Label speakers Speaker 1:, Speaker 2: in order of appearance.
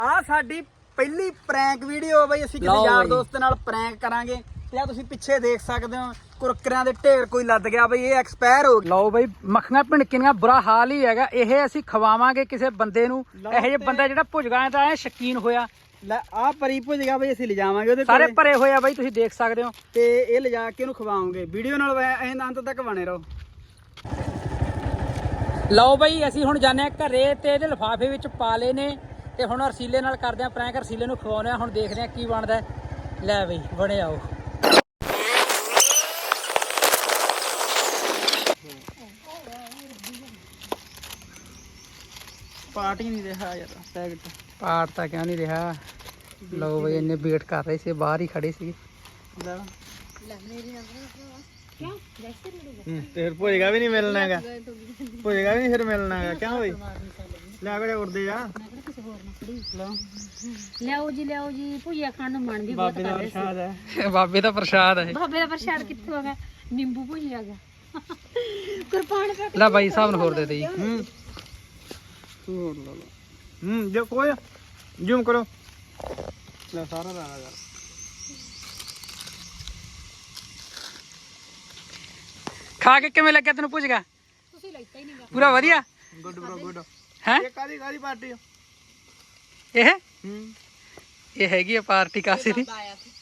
Speaker 1: ਆ ਸਾਡੀ ਪਹਿਲੀ ਪ੍ਰੈਂਕ ਵੀਡੀਓ ਬਈ ਅਸੀਂ ਕਿਸੇ ਯਾਰ ਦੋਸਤ ਨਾਲ ਪ੍ਰੈਂਕ ਕਰਾਂਗੇ ਤੇ ਆ ਤੁਸੀਂ ਪਿੱਛੇ ਦੇਖ ਸਕਦੇ ਹੋ ਕੁਰਕਰਿਆਂ ਦੇ ਢੇਰ ਕੋਈ ਲੱਦ ਗਿਆ ਬਈ ਇਹ ਐਕਸਪਾਇਰ ਹੋ ਗਿਆ। ਲਓ ਬਈ ਮੱਖੀਆਂ ਭਿਣਕੀਆਂ ਬੁਰਾ ਹਾਲ ਹੀ ਹੈਗਾ। ਇਹ ਅਸੀਂ ਖਵਾਵਾਂਗੇ ਕਿਸੇ ਬੰਦੇ ਨੂੰ, ਇਹੋ ਜਿਹੇ ਬੰਦਾ ਜਿਹੜਾ ਭੁਜਗਾ ਦਾ ਐ ਸ਼ਕੀਨ ਹੋਇਆ। ਲੈ ਆ ਪਰੀ ਭੁਜਗਾ ਬਈ ਅਸੀਂ ਲਿਜਾਵਾਂਗੇ ਉਹਦੇ ਸਾਰੇ ਭਰੇ ਹੋਏ ਆ ਬਈ ਤੁਸੀਂ ਦੇਖ ਸਕਦੇ ਹੋ ਤੇ ਇਹ ਲਿਜਾ ਕੇ ਉਹਨੂੰ ਖਵਾਵਾਂਗੇ। ਵੀਡੀਓ ਨਾਲ ਅੰਤ ਤੱਕ ਬਣੇ ਰਹੋ। ਲਓ ਬਈ ਅਸੀਂ ਹੁਣ ਜਾਂਦੇ ਆ ਘਰੇ ਤੇ ਇਹਦੇ ਲਿਫਾਫੇ ਵਿੱਚ ਪਾ ਲਏ ਨੇ ਤੇ ਹੁਣ ਰਸੀਲੇ ਨਾਲ ਕਰਦੇ ਆ ਪ੍ਰੈਂਕ। ਰਸੀਲੇ ਨੂੰ ਖਵਾਉਂਦੇ ਆ, ਹੁਣ ਦੇਖਦੇ ਆ ਕੀ ਬਣਦਾ। ਲੈ ਬਈ ਬਣੇ ਆਓ। ਪਾਰਟੀ ਨਹੀਂ ਰਿਹਾ ਯਾਰ, ਪੈਕਟ ਪਾਰਟ ਤਾਂ ਕਿਉਂ ਨਹੀਂ ਰਿਹਾ। ਲਓ ਬਈ ਇੰਨੇ ਵੇਟ ਕਰ ਰਹੇ ਸੀ, ਬਾਹਰ ਹੀ ਖੜੇ ਸੀ। ਫਿਰ ਭੁਜਗਾ ਵੀ ਨਹੀਂ ਮਿਲਣਾ ਹੈਗਾ, ਭੁਜਗਾ ਵੀ ਨਹੀਂ ਫਿਰ ਮਿਲਣਾ ਹੈਗਾ। ਕਿਉਂ ਬਈ ਲੈ ਕੇ ਉੜਦੇ ਆ।
Speaker 2: ਲਿਆਓ ਜੀ ਭੁਜੀਆ ਖਾਣ ਨੂੰ ਮਨ ਵੀ ਬਹੁਤ
Speaker 1: ਬਾਬੇ ਦਾ ਪ੍ਰਸ਼ਾਦ ਹੈ, ਬਾਬੇ ਦਾ ਪ੍ਰਸ਼ਾਦ ਹੈ।
Speaker 2: ਬਾਬੇ ਦਾ ਪ੍ਰਸ਼ਾਦ ਕਿੱਥੋਂ ਆ ਗਿਆ? ਨਿੰਬੂ ਭੁਜੀਆ ਗਿਆ ਕੁਰਬਾਨ ਕਰ।
Speaker 1: ਲੈ ਬਾਈ ਸਾਹਿਬ ਨੂੰ ਹੋਰ ਦੇ ਦੇ ਜੀ। ਹੋਰ ਲਾ ਲਓ। ਜੋ ਕੋਈ ਜ਼ੂਮ ਕਰੋ। ਲੈ ਸਾਰਾ ਲਾ ਯਾਰ। ਖਾ ਕੇ ਕਿਵੇਂ ਲੱਗਿਆ ਤੈਨੂੰ ਭੁਜਗਾ?
Speaker 2: ਤੁਸੀਂ ਲੈਤਾ ਹੀ ਨਹੀਂਗਾ।
Speaker 1: ਪੂਰਾ ਵਧੀਆ।
Speaker 3: ਗੁੱਡ ਬ్రో ਗੁੱਡ
Speaker 1: ਹੈ
Speaker 3: ਇਹ ਕਾਦੀ ਪਾਰਟੀ
Speaker 1: ਇਹ ਹੈਗੀ ਆ ਪਾਰਟੀ ਕਾਸੇ ਦੀ।